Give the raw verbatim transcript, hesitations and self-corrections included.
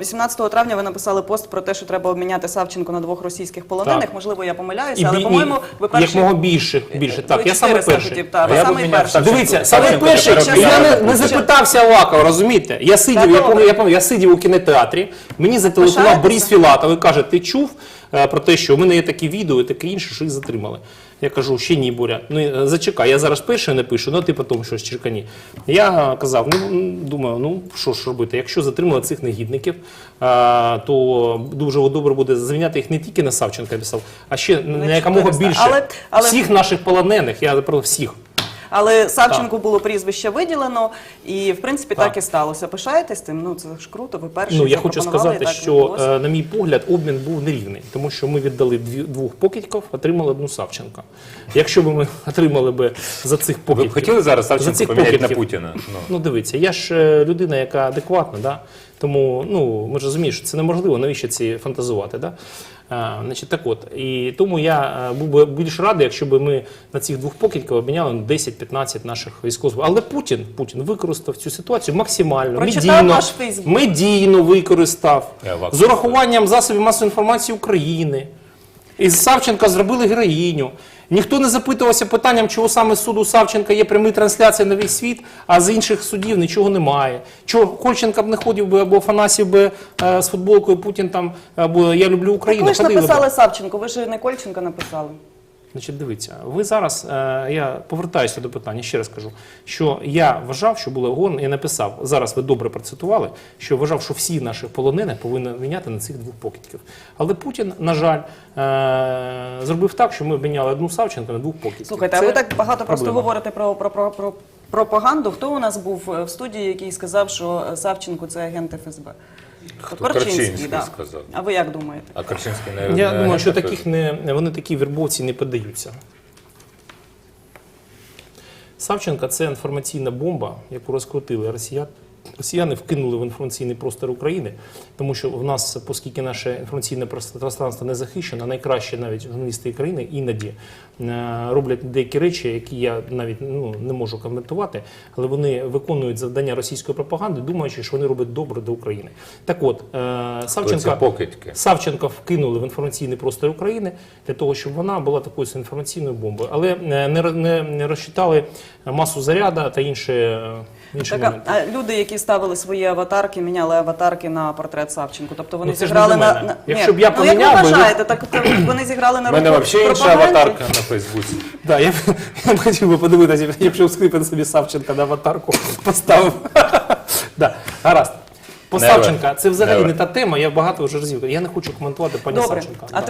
вісімнадцятого травня ви написали пост про те, що треба обміняти Савченко на двох російських полонених. Так. Можливо, я помиляюся, І але, бі- по-моєму, ви перший... Як мого більше, більше. Так, Ви я саме чотириста перший. хотів, так, ви А я самий поміняв перший. Савченко. Дивіться, саме Савченко перший, тепер я не, обміняли. не запитався Авакова, розумієте? Я сидів, Та я, добре. пам'ятаю, я, пам'ятаю, я сидів у кінотеатрі, мені зателефонував Пишаєтеся? Борис Філатов і каже, ти чув е, про те, що у мене є такі відео і таке інше, що їх затримали. Я кажу, ще ні, Боря, ну е, зачекай, я зараз пишу, не пишу, ну ти потім щось черкані. Я казав, ну думаю, ну що ж робити, якщо затримали цих негідників, е, то дуже добре буде звільняти їх не тільки на Савченка, я писав, а ще на якомога чотириста. більше. Але- але- Всіх наших полонених, я про всіх. Але Савченку було прізвище виділено, і, в принципі, так, Так. і сталося. Пишаєтесь тим? Ну, це ж круто, ви перші Ну, я хочу запропонували, сказати, і так що, відбулося. е, на мій погляд, обмін був нерівний, тому що ми віддали дві, двох покидьків, отримали одну Савченка. Якщо б ми отримали б за цих Ви покидьків... б хотіли зараз за Савченко цих поміняти на покидьків? Путіна? Ну. Ну, дивіться, я ж е, людина, яка адекватна, да? Тому, ну, ми ж розуміємо, що це неможливо, навіщо ці фантазувати, да? А, значить, так от, і тому я е, був би більш радий, якщо б ми на цих двох покидьків обміняли на десять-п'ятнадцять наших військових. Але Путін, Путін використав цю ситуацію максимально, Прочитав медійно, ваш Фейсбук. медійно використав, Я вам з урахуванням засобів масової інформації України. Із Савченка зробили героїню. Ніхто не запитувався питанням, чого саме з суду Савченка є прямі трансляції на весь світ, а з інших судів нічого немає. Чого Кольченка б не ходив би, або Афанасів би е, з футболкою Путін там, або «Я люблю Україну». Ви ж ходили би. написали Савченко, ви ж не Кольченка написали. Значить, дивіться, ви зараз, е, я повертаюся до питання, ще раз кажу, що я вважав, що було гон, я написав, зараз ви добре процитували, що вважав, що всі наші полонених повинні міняти на цих двох покидьків. Але Путін, на жаль, е, зробив так, що ми обміняли одну Савченко на двох покидьків. Слухайте, а Це ви так багато просто проблема. говорите про, про, про, про пропаганду. Хто у нас був в студії, який сказав, що Савченко – це агент еф ес бе? Хто? Корчинський, Корчинський да. сказав. А ви як думаєте? А Корчинський не Я не думаю, що агент таких не, вони такі вербовці не піддаються. Савченка – це інформаційна бомба, яку розкрутили росіяни. Росіяни вкинули в інформаційний простор України, тому що в нас, оскільки наше інформаційне пространство не захищено, найкраще навіть журналісти країни іноді е, роблять деякі речі, які я навіть ну, не можу коментувати, але вони виконують завдання російської пропаганди, думаючи, що вони роблять добре до України. Так от, е, Савченка, Ці покидьки. Савченка вкинули в інформаційний простор України для того, щоб вона була такою інформаційною бомбою, але е, не, не, не розчитали масу заряду та інші, е, інші Так, моменти. а, а люди, які ставили свої аватарки, міняли аватарки на портрет Савченко. Тобто вони Ну, це ж зіграли не до на, мене. на... Якщо Ні, б я ну, як поміняв ви би, ви- вважаєте, так то вони зіграли на У мене руку взагалі інша пропаганді? аватарка на Фейсбуці. Да, я, б- я б хотів би подивитися, я б скрипити собі Савченка на аватарку поставив. Да, гаразд. По Never. Савченка, це взагалі Never. не та тема, я багато вже разів. Я не хочу коментувати пані Добре. Савченка. А Да.